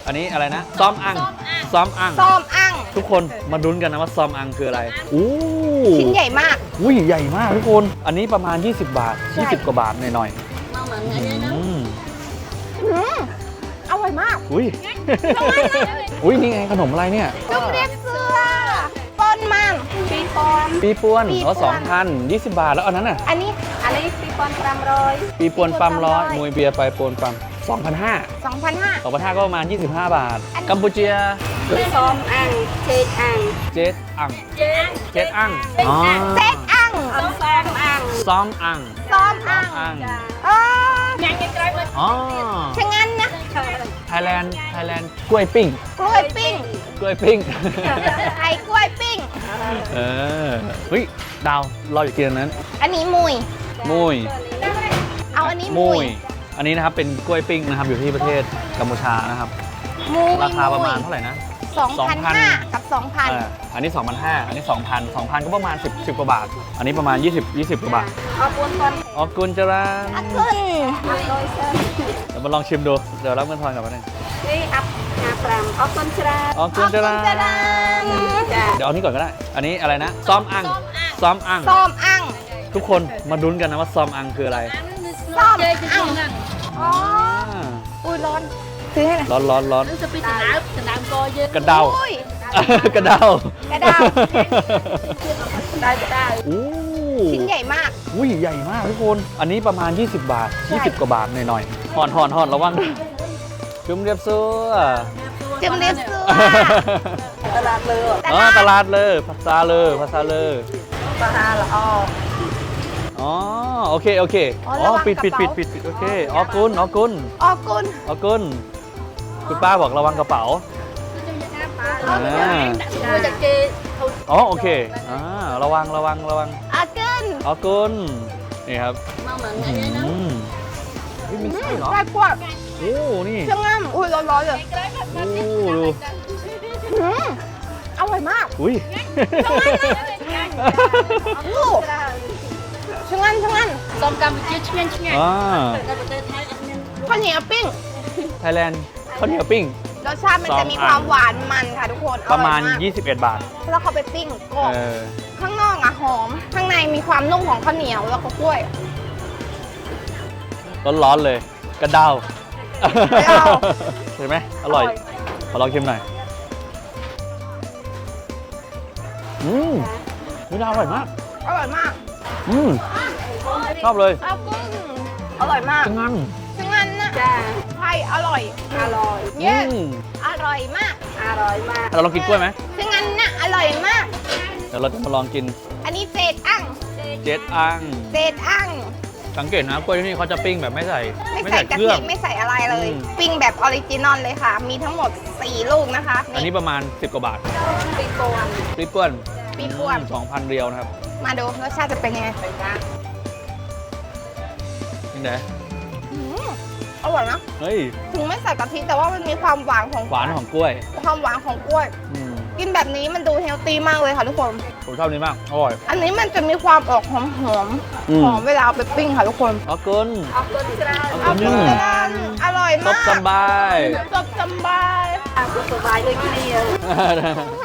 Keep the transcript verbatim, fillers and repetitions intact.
อันนี้อะไรนะซ้อมอังซ้อมอังซ้อมอังทุกคนมาดุนกันนะว่าซ้อมอังคืออะไรอู้ชิ้นใหญ่มากอุ้ยใหญ่มากทุกคนอันนี้ประมาณยี่สิบบาทยี่สิบกว่าบาทหน่อยๆอืมอร่อยมากอุ้ยอุ้ยนี่ไงขนมอะไรเนี่ยจุ่มเรียบเสื้อปนมันปีปอนปีปวนอ๋อสองพันยี่สิบบาทแล้วอันนั้นน่ะอันนี้อันนี้ปีปอนปรำร้อยปีปวนปั๊มร้อยมวยเบียร์ไปปวนปั๊มสองพันห้าสองพันห้าสองพันห้าก็ประมาณยี่สิบห้าบาทกัมพูเชียซ้อมอังเจดอังเจดอังเจดอังอ๋อเจดอังซ้อมอังซ้อมอังซ้อมอังอ๋อยังไงไกลเลยอ๋อช่างงั้นนะไทยแลนด์ไทยแลนด์กล้วยปิ้งกล้วยปิ้งกล้วยปิ้งไอ้กล้วยปิ้งเออเฮ้ยดาวเราอยากกินอันนั้นอันนี้มุยมุยเอาอันนี้มุยอันนี้นะครับเป็นกล้วยปิ้งนะครับอยู่ที่ประเทศกัมพูชานะครับราคาประมาณเท่าไหร่นะสองพันห้ากับสองพันอันนี้สองพันห้าอันนี้สองพันสองพันก็ประมาณสิบ สิบกว่าบาทอันนี้ประมาณยี่สิบ ยี่สิบกว่าบาทออกุนคนออกุนจรันออกุนเดี๋ยวมาลองชิมดูเดี๋ยวรับเงินทอนกลับมาหนึ่งนี่อัพงาปรำออกุนจรันออกุนจรันเดี๋ยวเอานี้ก่อนก็ได้อันนี้อะไรนะซ้อมอังซ้อมอังซ้อมอังทุกคนมาดุนกันนะว่าซ้อมอังคืออะไรซ้อมอังอ๋ออุ้ยร้อนซื้อให้หน่อยร้อนร้อนร้อนกระเดากระเดากระเดาได้ได้อู้ชิ้นใหญ่มากอุ้ยใหญ่มากทุกคนอันนี้ประมาณยี่สิบบาทยี่สิบกว่าบาทหน่อยๆห่อนห่อนห่อนระวังจุ่มเรียบเสื้อจุ่มเรียบเสื้อตลาดเลยอ๋อตลาดเลยภาษาเลยภาษาเลยภาษาละอ๋ออ๋อโอเคโอเคอ๋อปิดปิดปิดปิดปิดโอเคออกุนออกุนออกุนออกุนคุณป้าบอกระวังกระเป๋าอ๋อโอเคอ่าระวังระวังระวังออกุนออกุนนี่ครับอืมมีไส้เหรอไส้กล้วยโอ้นี่เชื่องง่ำอุ้ยร้อนๆเลยโอ้ดูอร่อยมากอุ้ยช่างงั้นช่างงั้นส้มตำเจี๊ยบเชียนเชียนข้าวเหนียวปิ้งไทยแลนด์ข้าวเหนียวปิ้งรสชาติมันจะมีความหวานมันค่ะทุกคนประมาณยี่สิบเอ็ดบาทแล้วเขาไปปิ้งกรอบข้างนอกอ่ะหอมข้างในมีความนุ่มของข้าวเหนียวแล้วก็กล้วยร้อนๆเลยกระเดาเห็นไหมอร่อยขอลองชิมหน่อยอืมไม่น่าอร่อยมากอร่อยมากอืมชอบเลยอร่อยมากจังงั้นจังงั้นนะไทยอร่อยอร่อยเย้อร่อยมากอร่อยมากเราลองกินกล้วยไหมจังงั้นนะอร่อยมากเดี๋ยวเราจะมาลองกินอันนี้เจดอังเจดอังเจดอังสังเกตนะกล้วยที่นี่เขาจะปิ้งแบบไม่ใส่ไม่ใส่กะทิไม่ใส่อะไรเลยปิ้งแบบออริจินอลเลยค่ะมีทั้งหมดสี่ลูกนะคะอันนี้ประมาณสิบกว่าบาทปีปวนปีปวนปีปวนสองพันเรียวนะครับมาดูรสชาติจะเป็นยังไงยังไงอร่อยนะเฮ้ยถึงไม่ใส่กะทิแต่ว่ามันมีความหวานของหวานของกล้วยความหวานของกล้วยกินแบบนี้มันดูเฮลตี้มากเลยค่ะทุกคนผมชอบนี้มากอร่อยอันนี้มันจะมีความออกหอมหอมหอมเวลาเอาไปปิ้งค่ะทุกคนออกุนออกุนจรันออกุนจรันอร่อยมากซบสบายซบสบายซบสบายเลยกินเยอะ